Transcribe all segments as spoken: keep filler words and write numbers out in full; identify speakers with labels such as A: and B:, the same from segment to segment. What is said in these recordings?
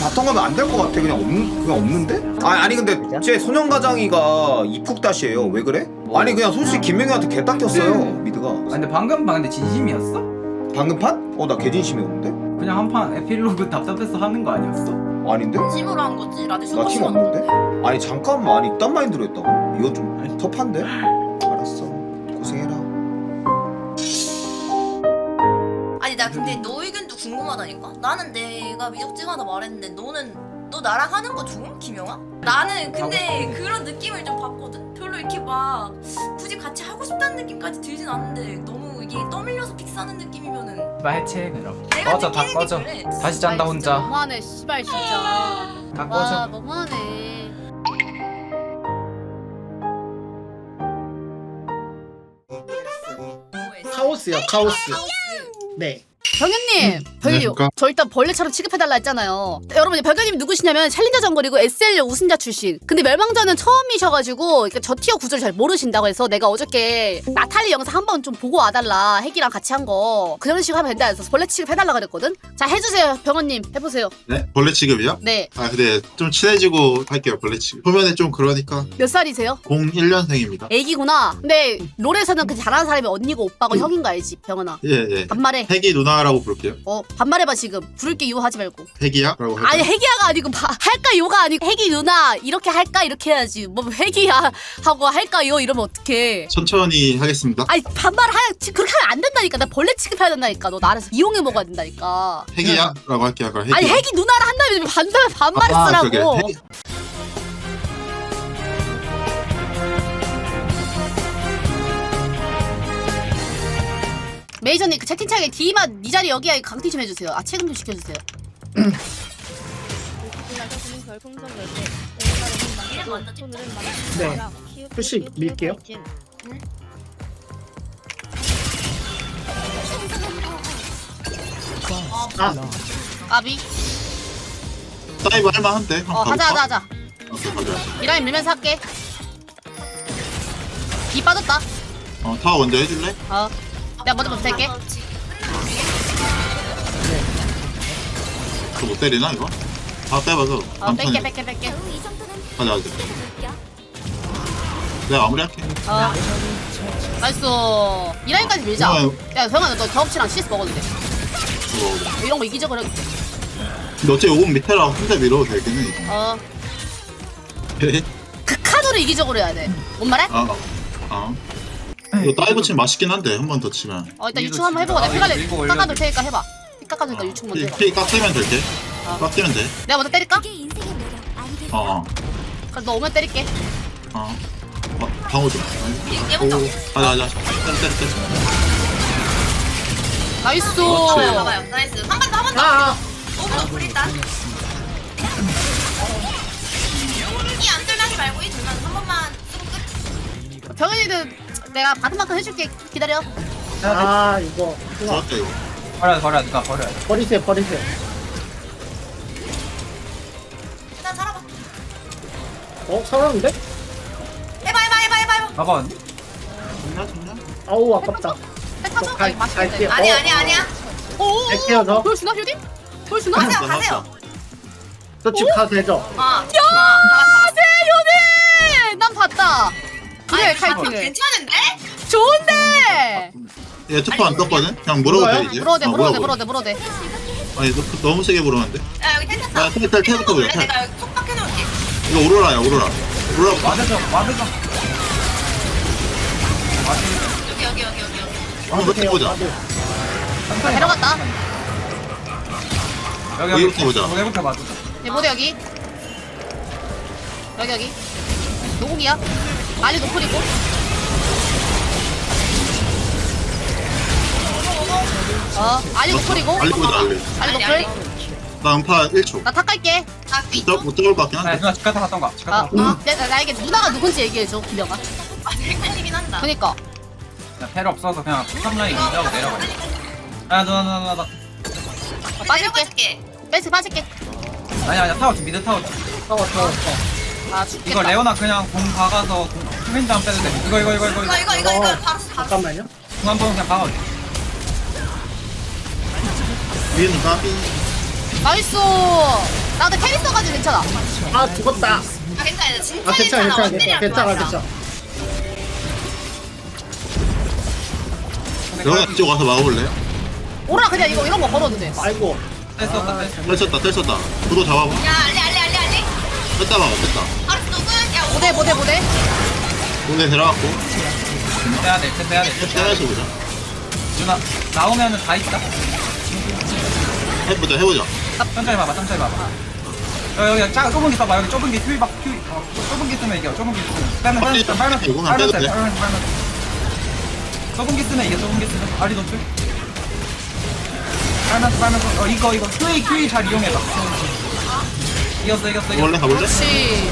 A: 바텀 가면 안 될 것 같아. 그냥 없는 그냥 없는데? 아 아니 근데 제 소년가장이가 이푹다시예요. 왜 그래? 아니 그냥 솔직히 김명희한테 개 닦였어요 미드가.
B: 아 근데 방금 방 근데 진심이었어?
A: 방금 판? 어 나 개진심이었는데?
B: 그냥 한 판 에필로그 답답해서 하는 거 아니었어?
A: 아닌데?
C: 팀으로 한 거지. 라디오
A: 나 팀 없는데? 아니 잠깐만 아니 이딴 마인드로 했다고? 이거 좀 터프한데? 알았어 고생해라.
C: 아니 나 근데 너 의견도 궁금하다니까. 나는 내가 미적지마다 말했는데 너는 너 나랑 하는 거 좋음? 김영아? 나는 근데 그런 느낌을 좀 받거든. 별로 이렇게 막 굳이 같이 하고 싶다는 느낌까지 들진 않는데 너무 이게 떠밀려서 픽사하는 느낌이면은
B: 나 해체 그럼.
C: 내가
B: 꺼져 다
C: 느끼는 게
B: 꺼져.
C: 그래.
B: 다시 짠다 혼자.
D: 너무하네 씨발 진짜.
B: 다
D: 와
B: 꺼져.
D: 너무하네.
E: 카오스요 카오스. 네.
D: 병현님, 병현님,
F: 그러니까?
D: 저 일단 벌레처럼 취급해달라 했잖아요. 여러분, 병현님 누구시냐면 챌린저 정글이고 에스엘 우승자 출신. 근데 멸망전은 처음이셔가지고 그러니까 저 티어 구조를 잘 모르신다고 해서 내가 어저께 나탈리 영상 한번 좀 보고 와달라. 핵이랑 같이 한 거. 그런 식으로 하면 된다 해서 벌레 취급해달라 그랬거든. 자, 해주세요, 병현님. 해보세요.
F: 네? 벌레 취급이요?
D: 네.
F: 아 근데 좀 친해지고 할게요 벌레 취급. 초면에 좀 그러니까
D: 몇 살이세요?
F: 공일 년생입니다.
D: 애기구나. 근데 롤에서는 그 잘하는 사람이 언니고 오빠고 형인 거 알지, 병현아.
F: 예예.
D: 반말해.
F: 핵이 누나라고 부를게요.
D: 어, 반말해봐 지금. 부를게 유하지 말고.
F: 핵이야? 라고 할까요?
D: 아니 핵이야가 아니고 바, 할까 요가 아니고 핵이 누나 이렇게 할까 이렇게 해야지. 뭐 핵이야 하고 할까요 이러면 어떡해.
F: 천천히 하겠습니다.
D: 아니 반말을 하야 그렇게 하면 안 된다니까. 나 벌레 취급해야 된다니까. 너 나를 이용해 먹어야 된다니까.
F: 핵이야? 라고 할게요. 그럼 핵이야.
D: 아니 핵이 누나를 한다면 반말 반말을
F: 아,
D: 쓰라고.
F: 그러게. 핵-
D: 메이저님 그 채팅창에 D만 니 자리 여기야 강퇴 좀 해주세요. 아 체금 좀 시켜주세요.
E: 네. 표시 밀게요. 아
D: 까비.
F: 다이브 할만한데? 한번
D: 어 하자 하자
F: 가볼까?
D: 하자.
F: 오케이, 가자.
D: 미라인 밀면서 할게. D 빠졌다.
F: 어, 타워 먼저 해줄래?
D: 어. 내가 먼저 못할게.
F: 그거 못 때리나 이거? 다 빼봐서
D: 어 뺄게 뺄게 뺄게.
F: 가자 가자. 내가 마무리할게.
D: 어. 나이스. 이 라인까지 밀자.
F: 어,
D: 야, 병아, 너 경험치랑 씨에스 먹어도 돼.
F: 이거.
D: 이런 거 이기적으로 해도 돼.
F: 근데 어차피 요건 밑에라 혼자 밀어도 되긴 해. 이거.
D: 어.
F: 네.
D: 극한으로 이기적으로 해야 돼. 뭔 말해?
F: 아, 아. 이거 다이브 치면 맛있긴 한데 한 번 더 치면.
D: 어, 일단
B: 밀고
D: 유충 한번 해보고
B: 치자.
D: 내가
B: 아,
D: 피갈래
B: 밀고
D: 깎아둘
B: 올려줘.
D: 테니까 해봐. 피 깎아주니까 유충 먼저
F: 피,
D: 해봐.
F: 피 깎이면 될게.
D: 어.
F: 깎이면 돼.
D: 내가 먼저 때릴까?
F: 어, 어.
D: 그럼 너 오면 때릴게.
F: 어. 어, 방어 좀.
C: 얘 먼저.
F: 가자, 가자. 때려, 때려, 때려.
D: 나이스.
F: 그렇지.
C: 봐봐요. 나이스. 한 번 더, 한 번 더.
E: 아,
C: 오브로 불린다. 이안 들나지 말고 이 들면 한 번만 쓰고 끝.
D: 병현이는 내가 받은 만큼 해줄게. 기다려.
E: 아 이거 이거
F: 좋았다, 이거.
B: 버려 버려 누가 버려.
E: 버리세요 버리세요.
C: 일단 살아봐.
E: 어 살았는데?
C: 해봐, 해봐, 해봐, 해봐, 해봐.
B: 봐봐.
F: 좋냐, 좋냐?
E: 아우 아깝다.
D: 백화점?
E: 갈-
D: 아니, 맛있겠다.
E: 갈게요.
D: 이거.
C: 아니야,
E: 어.
C: 아니야, 아니야.
D: 오.
E: 갈게요, 저.
D: 보여주나, 휴디? 보여주나?
C: 가세요,
F: 맞다,
C: 가세요.
E: 저 집 가도 되죠?
C: 어, 아, 아, 잡았어,
D: 세요네! 난 봤다. 그래,
C: 아니,
D: 카이팅을.
C: 괜찮은데?
D: 좋은데!
F: 얘 투표 안 떴거든? 그냥 물어도 돼, 이제.
D: 물어도 돼,
F: 어,
D: 물어도 돼,
F: 물어봐.
D: 물어도 돼, 물어도 돼.
F: 아니, 너, 너무 세게 물었는데?
C: 야, 여기 텐트 타.
F: 야, 텔, 텔, 텔부터 보자, 텔.
C: 내가 여기 속박해놓을게.
F: 이거 오로라야, 오로라. 오로라.
B: 와드죠 와드죠.
C: 여기, 여기, 여기, 여기, 여기.
F: 한번 더 해보자.
E: 나도.
D: 자, 데려갔다.
B: 여기
F: 여기부터
B: 여기
F: 보자.
B: 여기부터 맞아.
D: 얘 모두 여기. 여기, 여기. 노공이야. 알리 노플이고. 어, 알리 노플이고.
F: 알리 보자, 알리.
D: 알리
C: 알리,
D: 노플.
F: 나 음파 일 초.
D: 나 탁 갈게.
C: 아, 그
F: 못,
C: 이쪽?
F: 잡- 못 잡을 것 같긴
B: 아
F: 한데.
B: 누나 집 갔다 갔던가. 집
D: 아,
B: 갔다.
D: 어? 나, 나에게 누나가 누군지 얘기해줘, 김영아.
C: 아, 되게 끌리긴 한다.
D: 그니까.
B: 텔 없어서 그냥 탑라인 인자고 내려가. 아 누나 누나 누나.
D: 어, 빠질게.
C: 내려가줄게.
D: 뺏어 빠질게.
B: 아니 아니 타워 좀 미드 타워. 좀.
E: 타워 타워.
D: 아, 죽겠다.
B: 이거 레오나 그냥 공 박아서 후면 다음 빼도 돼. 이거 이거 이거 이거
C: 이거, 이거, 이거, 이거.
E: 어,
C: 바로, 바로.
E: 잠깐만요.
B: 공 한 번 그냥 박아.
F: 위에는 까비.
D: 나이스. 나 근데 테리 써가지고 괜찮아.
E: 아 죽었다.
C: 아 괜찮아 진짜
E: 아 괜찮아 괜찮아
C: 원딜이랑
E: 괜찮아
C: 좋아하자.
E: 괜찮아.
F: 여기 이쪽 와서 막아볼래요?
D: 오라 그냥 이거 이런 거 걸어도 돼.
E: 아이고.
B: 뺐었다 뺐어.
F: 텔 썼다 텔 썼다 구도 잡아봐.
C: 야 알리 알리 알리 알리.
F: 뺐다 막아 뺐다.
C: 알았어 누군? 야
D: 모대 모대 모대.
F: 공대 들어갔고
B: 빼야 돼 빼야 돼.
F: 떼면서 보자.
B: 누나 나오면은 다 있다.
F: 해보자 해보자.
B: 천천히 봐봐 천천히 봐봐. 여, 여기 작 좁은 게 봐봐. 여기 좁은 게 큐이 박 큐이. 어, 좁은 게 쓰면 이겨. 좁은 게 쓰면 빼면
F: 빨리
B: 빼면 빼면
F: 이거는
B: 빼면
F: 빼도
B: 돼.
F: 돼.
B: 빼면 빼면 좁은 게 쓰면 이겨. 좁은 게 쓰면 아리 노출. 빨면서 빨면서 어 이거 이거 큐이 큐이 잘 이용해봐. 이겼어 이겼어
F: 가볼래
B: 이겼어.
F: 가볼래?
D: 그렇지.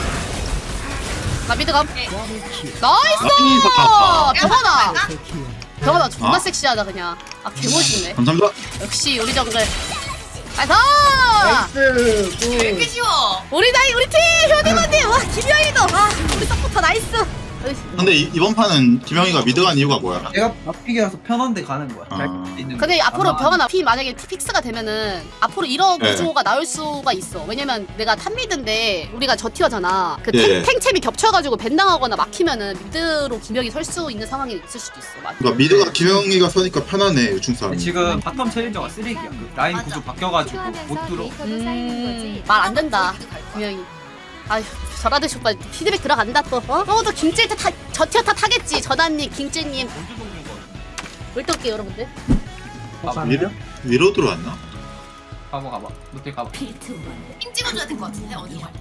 D: 나 미드 감.
C: 네.
D: 나이스.
F: 나이스.
D: 병원아. 병원아 존나
F: 어?
D: 섹시하다 그냥. 아 개멋있네.
F: 감사합니다.
D: 역시 우리 정글. 나이스.
E: 나이스.
C: 왜 이렇게
E: 굿.
C: 쉬워?
D: 우리 나이 우리 팀 효디모님 와 김영희도 와 우리 서포터 나이스.
F: 근데 이, 이번 판은 김영희가 미드 간 이유가 뭐야?
B: 내가 앞픽이라서 편한데 가는 거야.
F: 아.
B: 잘 있는
D: 근데
B: 거.
D: 앞으로
B: 아마
D: 병원아 피 만약에 픽스가 되면은 앞으로 이런
F: 네.
D: 구조가 나올 수가 있어. 왜냐면 내가 탑미드인데 우리가 저 티어잖아. 그
F: 예.
D: 탱, 탱챔이 겹쳐가지고 밴당하거나 막히면은 미드로 김영이 설 수 있는 상황이 있을 수도 있어. 맞아.
F: 그러니까 미드가 김영희가 서니까 편하네 유충 싸움.
B: 지금 바텀 챌린저가 쓰레기야. 그 라인
C: 맞아.
B: 구조 바뀌어가지고 못 들어.
D: 음, 말 안 된다. 김영이. 아휴, 저라듯이 오빠 피드백 들어간다 또. 어? 어, 너 김찔 타, 저 티어 타 타겠지. 전화님, 김찔님. 물떡게 여러분들.
B: 가봐
F: 위로 위로 들어왔나?
B: 가봐 가봐. 노틸 가봐.
C: 힘 찍어줘야 될 것 같은데 어디 가?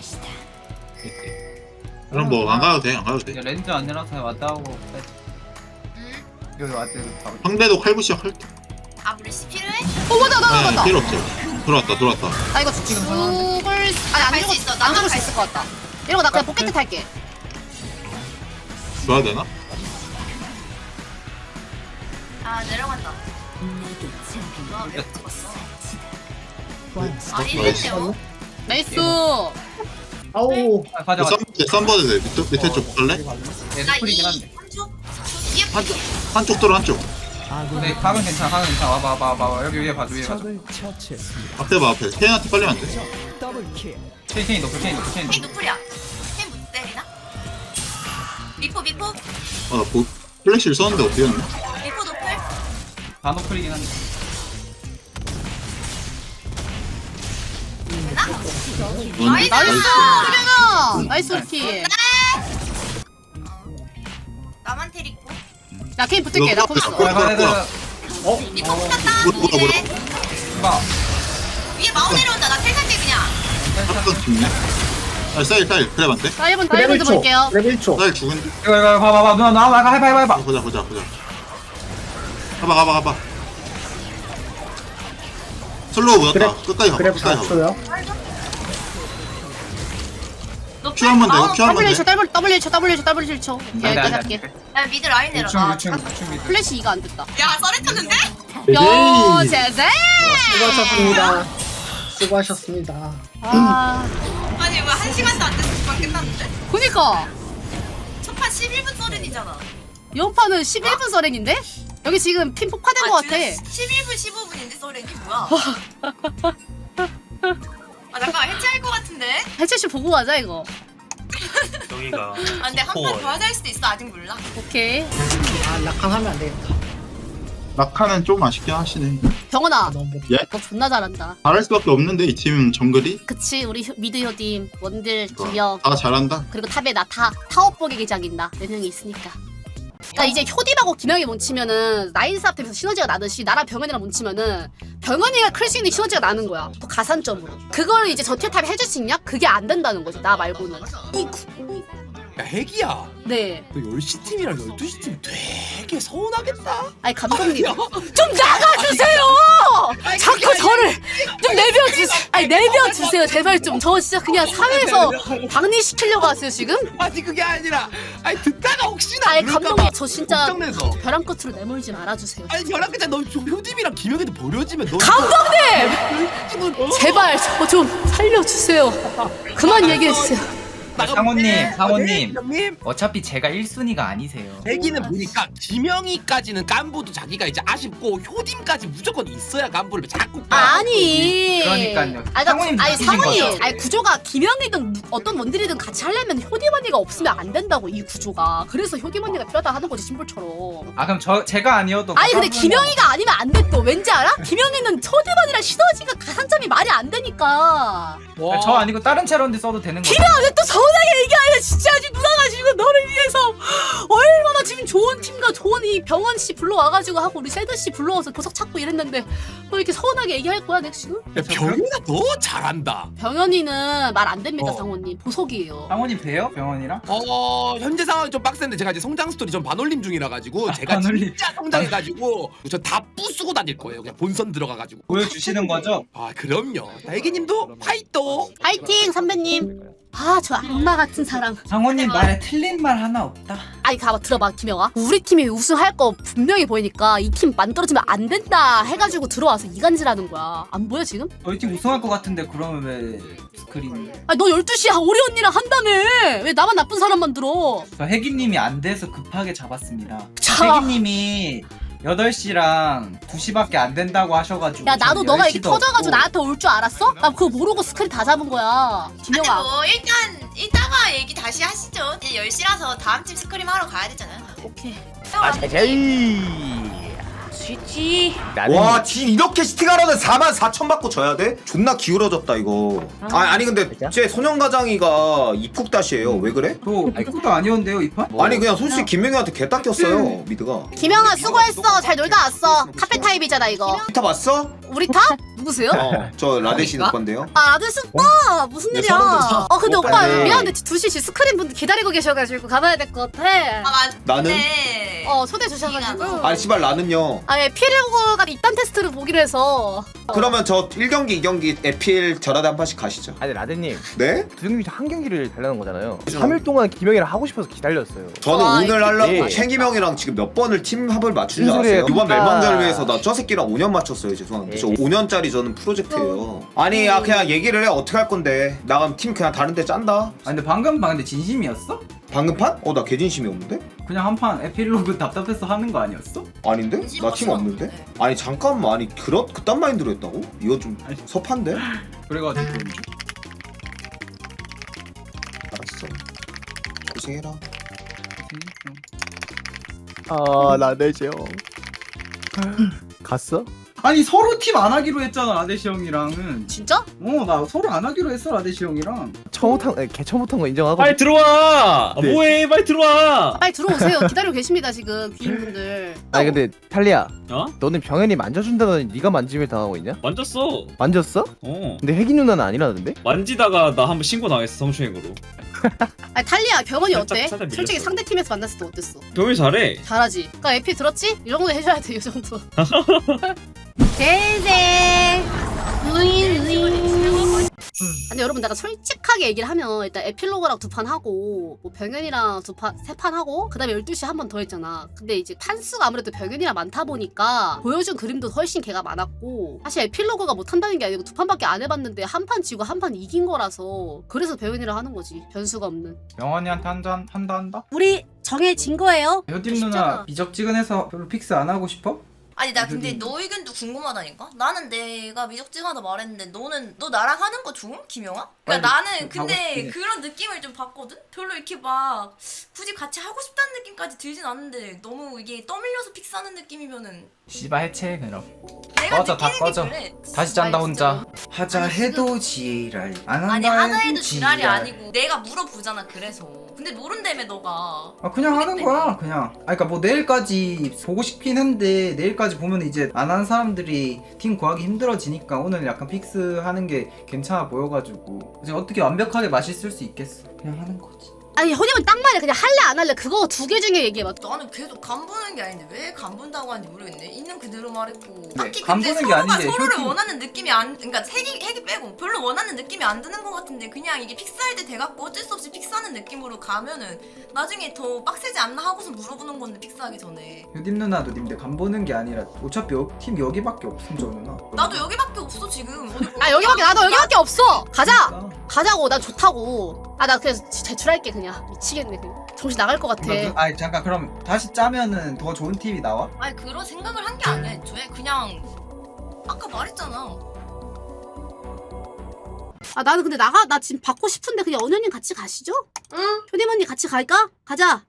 F: 그럼 뭐 안 가도 돼 안 가도 돼.
B: 이제 렌즈 아니라서 왔다 하고 빼.
C: 응?
B: 여기 왔다 바로.
F: 상대도 칼부시작 할 때.
C: 아 물씨 필요해?
D: 어, 맞아, 나,
F: 네,
D: 맞다.
F: 필요 없어. 들어왔다 들어왔다.
D: 아, 이거 죽을. 아니, 안
C: 갈수
D: 죽을,
C: 있어.
D: 안
C: 나만
D: 죽을 수
C: 갈
D: 있을 것 같다. 이러고 나 그냥 포켓 탈게.
F: 줘야 되나?
C: 아 내려간다. 와왜 찍었어? 아니 이랬네요.
D: 나이스.
E: 아우.
B: 아, 가자 가자.
F: 썬버드 돼. 밑에 밑에 쪽 갈래?
B: 얘
C: 나이
B: 스프리긴 한데.
C: 한쪽 뒤에
F: 한쪽 한쪽 들어 한쪽.
B: 근데 각은 괜찮아. 각은 괜찮아. 와봐 와봐 와봐. 여기 위에 봐줘 위에 봐줘.
F: 앞에 봐 앞에. 케인한테 빨리면 안 돼.
B: 체인 체인 높여 체인 높여 체인
C: 헤이
B: 높여.
C: 누플이야. 헤이 못 때리나? 미포 미포
F: 아나 뭐, 플래시를 썼는데 어떻게 했냐?
C: 미포 노플.
B: 다 노플이긴 한데.
C: 되나?
F: 나이스.
D: 나이스. 그래가. 나이스, 우리 팀.
C: 나만 테리고.
D: 야, 케인 붙을게. 나 거기 있어.
F: 뭐야,
B: 가야 돼.
F: 뭐야.
E: 어?
C: 미포 붙었다.
F: 뭐야, 뭐야, 뭐야.
B: 봐.
C: 위에 마우 내려온다. 나 텔살게 그냥.
F: 한번 죽네. 아 사일 사일 그래 반대.
D: 자, 일 분
E: 레벨
D: 다이브즈
E: 초.
D: 볼게요.
E: 레벨 초.
F: 사일 죽은.
B: 이거 이거 봐봐 봐. 누나 나와 나 해봐 해봐 해봐.
F: 보자 보자 보자. 가봐 가봐 가봐. 슬로우 보였다.
E: 그래.
F: 끝까지 가봐.
E: 그래
F: 끝까지 가봐.
E: 봤어요.
C: 노플.
F: 큐 한번
C: 마우
F: 내고 큐 한번
D: W
F: 내.
D: 쳐, W, W 쳐, W 쳐, W 쳐.
B: 안 돼,
D: 오케이,
B: 안 돼,
D: 여기까지
B: 안
D: 할게.
B: 돼.
C: 야 미드 라인 내려.
B: 유충
C: 나
B: 유충
C: 차-
B: 유충 미드.
D: 플래시 이가 안 됐다.
C: 야 썰했쳤는데?
D: 요,
E: 네.
D: 제제!
E: 수고하셨습니다. 수고하셨습니다.
D: 아,
C: 아니 왜 한 시간도 안 돼서 금방 끝났는데?
D: 그니까.
C: 첫판 십일 분 썰은이잖아.
D: 연판은 십일 분 서렌인데? 여기 지금 핀 폭파된 것 같아.
C: 십일 분 십오 분인데 썰은이 뭐야? 아 잠깐 해체할 것 같은데?
D: 해체씨 보고 가자, 이거.
G: 여기가
C: 아 근데 한 판 더 하자 할 수도 있어. 아직 몰라.
D: 오케이.
E: 아 낙항하면 안 되겠다.
F: 낙하는 좀 아쉽긴 하시네.
D: 병원아,
E: 아, 너무 못.
F: 예?
D: 너 존나 잘한다.
F: 잘할 수밖에 없는데 이 팀 정글이
D: 그치, 우리 효- 미드 효딤, 원딜, 김영,
F: 다 잘한다.
D: 그리고 탑에 나 타, 타워보기 기장인다. 네 명이 있으니까. 그러니까 이제 효딤하고 김영이 뭉치면은 나인 싸움 때면서 시너지가 나듯이 나랑 병현이랑 뭉치면은 병현이가 클 수 있는 시너지가 나는 거야. 또 가산점으로. 그걸 이제 저 티어 탑이 해줄 수 있냐? 그게 안 된다는 거지. 나 말고는.
H: 야 핵이야
D: 네.
H: 너 열 시 팀이랑 열두 시 팀 되게 서운하겠다.
D: 아니 감독님 좀 나가주세요. 자꾸 저를 좀 내려주세요. 아니 내려주세요 제발 좀. 저 진짜 그냥 사회에서 박리시키려고 하세요 지금?
H: 아니 그게 아니라 아니 듣다가 혹시나
D: 아니
H: 그럴까
D: 감독님
H: 봐
D: 저 진짜
H: 걱정돼서.
D: 벼랑 끝으로 내몰지 말아주세요.
H: 아니 벼랑 끝에 너 효dim이랑 김영희도 버려지면 너
D: 감독님
H: 어?
D: 제발 저 좀 살려주세요. 그만 얘기해주세요.
B: 상호님 상호님
H: 형님
B: 어차피 제가 일 순위가 아니세요.
H: 대기는 보니까 김영희까지는 깐부도 자기가 이제 아쉽고 효딤까지 무조건 있어야 깐부를 자꾸
D: 아니.
B: 그러니까요.
D: 아니,
B: 상호님
D: 아니
B: 느끼신
D: 상훈이.
B: 거죠?
D: 아니 구조가 김영이든 누- 어떤 원딜이든 같이 하려면 효디 언니가 없으면 안 된다고 이 구조가. 그래서 효디 언니가 필요하다 하는 거지 심볼처럼.
B: 아 그럼 저 제가 아니어도
D: 아니 근데
B: 가사분은-
D: 김영희가 아니면 안 돼 또. 왠지 알아? 김영희는 초디반이랑 시너지가 가산점이 말이 안 되니까.
H: 와.
B: 저 아니고 다른 채널인데 써도 되는 거죠?
D: 김영아 또 서운하게 얘기하냐 진짜. 아직 누나가 지금 너를 위해서 얼마나 지금 좋은 팀과 좋은 이 병원 씨 불러와가지고 하고 우리 세드 씨 불러와서 보석 찾고 이랬는데 너 이렇게 서운하게 얘기할 거야 내가 지금?
H: 야, 병이가 너 잘한다.
D: 병현이는 말 안 됩니다
B: 어.
D: 상호님. 보석이에요.
B: 상호님 봬요? 병원이랑?
H: 어 현재 상황이 좀 빡센데 제가 이제 성장 스토리 좀 반올림 중이라 가지고 제가
B: 반올림.
H: 진짜 성장해가지고 저 다 부수고 다닐 거예요. 그냥 본선 들어가가지고.
B: 보여주시는 거죠?
H: 아 그럼요. 애기님도 파이터.
D: 파이팅 선배님. 아 저 악마 같은 사람.
B: 상호님 말에 틀린 말 하나 없다.
D: 아니 가봐 들어봐 김영아. 우리 팀이 우승할 거 분명히 보이니까 이 팀 만들어지면 안 된다 해가지고 들어와서 이간질하는 거야. 안 보여 지금?
B: 저희 팀 우승할 것 같은데 그러면 왜 스크린?
D: 아니 너 열두 시야 오리 언니랑 한다며. 왜 나만 나쁜 사람만 들어.
B: 저 혜기님이 안 돼서 급하게 잡았습니다.
D: 자.
B: 혜기님이 여덟 시랑 두 시밖에 안 된다고 하셔가지고
D: 야 나도
B: 저는
D: 너가
B: 열
D: 이렇게
B: 시도
D: 터져가지고
B: 없고.
D: 나한테 올 줄 알았어? 나 그거 모르고 스크린 다 잡은 거야.
C: 근데
D: 김영아.
C: 뭐 일단 이따가 얘기 다시 하시죠. 이제 열 시라서 다음 팀 스크림 하러 가야 되잖아요.
D: 오케이.
C: 아,
D: 쉬지.
A: 와, 지금 이렇게 시팅하려는 사만 사천 받고 져야 돼? 존나 기울어졌다 이거. 아, 아니 근데 쟤 소년가장이가 이푹 다시예요. 왜 그래?
B: 저 이것도 아니었는데요 이 판?
A: 아니 그냥 솔직히 김명희한테 개 닦였어요 미드가.
D: 김영아 수고했어. 잘 놀다 왔어. 카페 타입이잖아 이거.
A: 타 봤어?
D: 우리 타? 누구세요?
A: 어, 저 라데시 오빠인데요.
D: 아 아들 오빠 무슨
A: 네,
D: 일이야?
A: 서른 살.
D: 어 근데 오빠
A: 오빠네.
D: 미안한데 두 시 스크린 분들 기다리고 계셔가지고 가봐야 될 것 같아.
C: 아 맞.
A: 나는?
C: 네.
D: 어 초대 주셔가지고.
A: 아니 씨발 나는요.
D: 아예 피레고가 입단 테스트를 보기로 해서.
A: 그러면 저 일 경기 이 경기 에필 저라도 한 판씩 가시죠.
I: 아니 라데님
A: 네?
I: 두 경기 한 경기를 달라는 거잖아요. 삼 일 동안 김영이랑 하고 싶어서 기다렸어요.
A: 저는
D: 와,
A: 오늘 하려고
I: 예.
A: 최기명이랑 지금 몇 번을 팀 합을 맞춘 줄
I: 무슨 소리예요?
A: 아세요? 이번
I: 아.
A: 멜망전을 위해서 나 저 새끼랑 오 년 맞췄어요. 죄송합니다.
I: 예.
A: 저 오 년짜리 저는 프로젝트예요. 아니 야 그냥 얘기를 해. 어떻게 할 건데. 나 그럼 팀 그냥 다른 데 짠다.
B: 아 근데 방금 방 근데 진심이었어?
A: 방금 판? 어 나 개진심이 없는데?
B: 그냥 한 판 에필로그 답답해서 하는 거 아니었어?
A: 아닌데? 나 팀 없는데? 아니 잠깐만 아니 그렇 그딴 마인드로 했다고? 이거 좀 섭한데?
B: 그래가지고
A: 알았어. 고생해라.
I: 아 라데시 형 갔어?
B: 아니 서로 팀 안 하기로 했잖아 라데시 형이랑은.
D: 진짜?
B: 어 나 서로 안 하기로 했어 라데시 형이랑.
I: 처음부터 아니, 개 처음부터 거 인정하고.
G: 빨리 들어와. 아,
I: 네.
G: 뭐해? 빨리 들어와.
D: 빨리 들어오세요. 기다리고 계십니다 지금 귀인분들.
I: 아니 근데 탈리야,
G: 어?
I: 너는 병현이 만져준다더니 네가 만짐을 당하고 있냐?
G: 만졌어.
I: 만졌어?
G: 어.
I: 근데 혜기 누나는 아니라던데?
G: 만지다가 나 한번 신고 당했어 성추행으로.
D: 아니 탈리야 병원이
G: 살짝,
D: 어때?
G: 살짝 밀렸어.
D: 솔직히 상대 팀에서 만났을 때 어땠어?
G: 병이 잘해.
D: 잘하지. 그러니까 에피 들었지? 이 정도 해줘야 돼, 이 정도. 대세. 근데 여러분 내가 솔직하게 얘기를 하면 일단 에필로그랑 두 판 하고 뭐 병현이랑 두 판 세 판 하고 그다음에 열두 시 한 번 더 했잖아. 근데 이제 판수가 아무래도 병현이랑 많다 보니까 보여준 그림도 훨씬 걔가 많았고 사실 에필로그가 못한다는 게 아니고 두 판밖에 안 해봤는데 한 판 지고 한 판 이긴 거라서 그래서 병현이랑 하는 거지. 변수가 없는.
B: 영원이한테 한잔 한다 한다?
D: 우리 정해진 거예요.
B: 효딤 누나 미적지근해서 별로 픽스 안 하고 싶어?
C: 아니 나 근데 너 의견도 궁금하다니까? 나는 내가 미적지근하다 말했는데 너는 너 나랑 하는 거 좋음? 김영아? 그러니까
B: 아니,
C: 나는 근데
B: 하고 싶긴 해.
C: 그런 느낌을 좀 받거든? 별로 이렇게 막 굳이 같이 하고 싶다는 느낌까지 들진 않는데 너무 이게 떠밀려서 픽스하는 느낌이면은
B: 씨바 해체 그럼.
C: 내가
B: 꺼져, 다
C: 느끼는
B: 꺼져.
C: 게 그래.
B: 다시 짠다
C: 아니,
B: 혼자.
C: 진짜로.
B: 하자
C: 아니,
B: 해도 지랄 안
C: 아니
B: 한다
C: 하나
B: 해도
C: 해도 지랄이
B: 지랄.
C: 아니고 내가 물어보잖아 그래서 근데 모른다며 너가
B: 아 그냥 하는 거야 그냥. 아 그러니까 뭐 내일까지 보고 싶긴 한데 내일까지 보면 이제 안 한 사람들이 팀 구하기 힘들어지니까 오늘 약간 픽스 하는 게 괜찮아 보여가지고 이제 어떻게 완벽하게 맛있을 수 있겠어. 그냥 하는 거지.
D: 아니 허님은 딱 말이야. 그냥 할래 안 할래 그거 두 개 중에 얘기해봐.
C: 나는 계속 간보는 게 아닌데 왜 간본다고 하는지 모르겠네. 있는 그대로 말했고.
B: 네,
C: 딱히
B: 간보는
C: 근데
B: 게
C: 서로가
B: 아닌데
C: 서로를
B: 혈기-
C: 원하는 느낌이 안, 그러니까 색이 핵이 빼고 별로 원하는 느낌이 안 드는 것 같은데 그냥 이게 픽스할 때 돼갖고 어쩔 수 없이 픽스하는 느낌으로 가면은 나중에 더 빡세지 않나 하고서 물어보는 건데 픽스하기 전에.
B: 효딤 누나도 님들 간 보는 게 아니라 어차피 여, 팀 여기밖에 없음 저 누나.
C: 나도 여기밖에 없어 지금. 어디
D: 아 여기밖에 나도 여기밖에 없어. 가자.
B: 그러니까.
D: 가자고. 난 좋다고. 아 나 그냥 제출할게 그냥. 미치겠네 그냥. 정신 나갈 것 같아.
B: 그, 아니 잠깐 그럼 다시 짜면은 더 좋은 팁이 나와?
C: 아니 그런 생각을 한 게 아니야 애초에 그냥 아까 말했잖아.
D: 아 나는 근데 나가 나 지금 받고 싶은데 그냥 언현님 같이 가시죠?
C: 응?
D: 효림 언니 같이 갈까? 가자.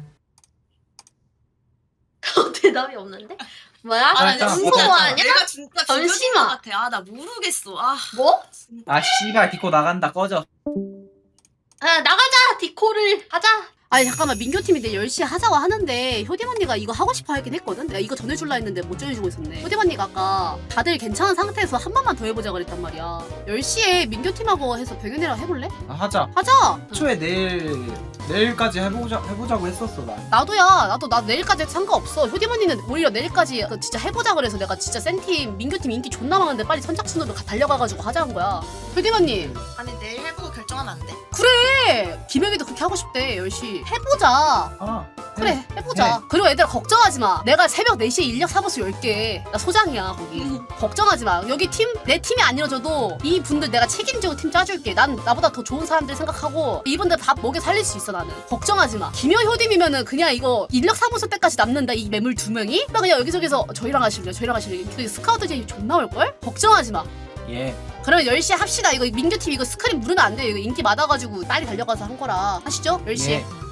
C: 대답이 없는데? 뭐야?
B: 아,
C: 나
B: 일단
C: 진짜
B: 보자.
C: 아니야? 내가 진짜 잠시만 같아. 아 나 모르겠어. 아 뭐?
B: 아 씨발 디코 나간다 꺼져.
C: 아 나가자 디코를 하자.
D: 아니 잠깐만 민교팀이 내일 열 시에 하자고 하는데 효림 언니가 이거 하고 싶어 하긴 했거든? 내가 이거 전해줄라 했는데 못 전해주고 있었네. 효림 언니가 아까 다들 괜찮은 상태에서 한 번만 더 해보자 그랬단 말이야. 열 시에 민교팀하고 해서 병현이랑 해볼래?
B: 아, 하자.
D: 하자!
B: 애초에 내일 내일까지 해보자 해보자고 했었어 나.
D: 나도야. 나도 나 내일까지 해도 상관없어. 효림 언니는 오히려 내일까지 그 진짜 해보자 그래서 내가 진짜 센팀 민교팀 인기 존나 많은데 빨리 선착순으로 가- 달려가가지고 하자는 거야. 효림 언니
C: 아니 내일 해보고 결정하면 안 돼?
D: 그래! 김영희도 그렇게 하고 싶대 열 시. 해보자.
B: 아
D: 그래 해보자. 그리고 얘들아 걱정하지 마. 내가 새벽 네 시에 인력 사무소 열게. 나 소장이야 거기. 걱정하지 마. 여기 팀 내 팀이 안 이뤄져도 이 분들 내가 책임지고 팀 짜줄게. 난 나보다 더 좋은 사람들 생각하고 이분들 다 먹여 살릴 수 있어 나는. 걱정하지 마. 김여 효dim이면은 그냥 이거 인력 사무소 때까지 남는다 이 매물 두 명이? 나 그냥 여기저기서 저희랑 하실래요? 저희랑 하실래요? 그 스카우트 제이 존나 올걸? 걱정하지 마.
B: 예.
D: 그러면 열 시에 합시다. 이거 민규팀 이거 스크린 무르면 안 돼. 이거 인기 많아가지고 빨리 달려가서 한 거라. 하시죠? 열 시에.
B: 예.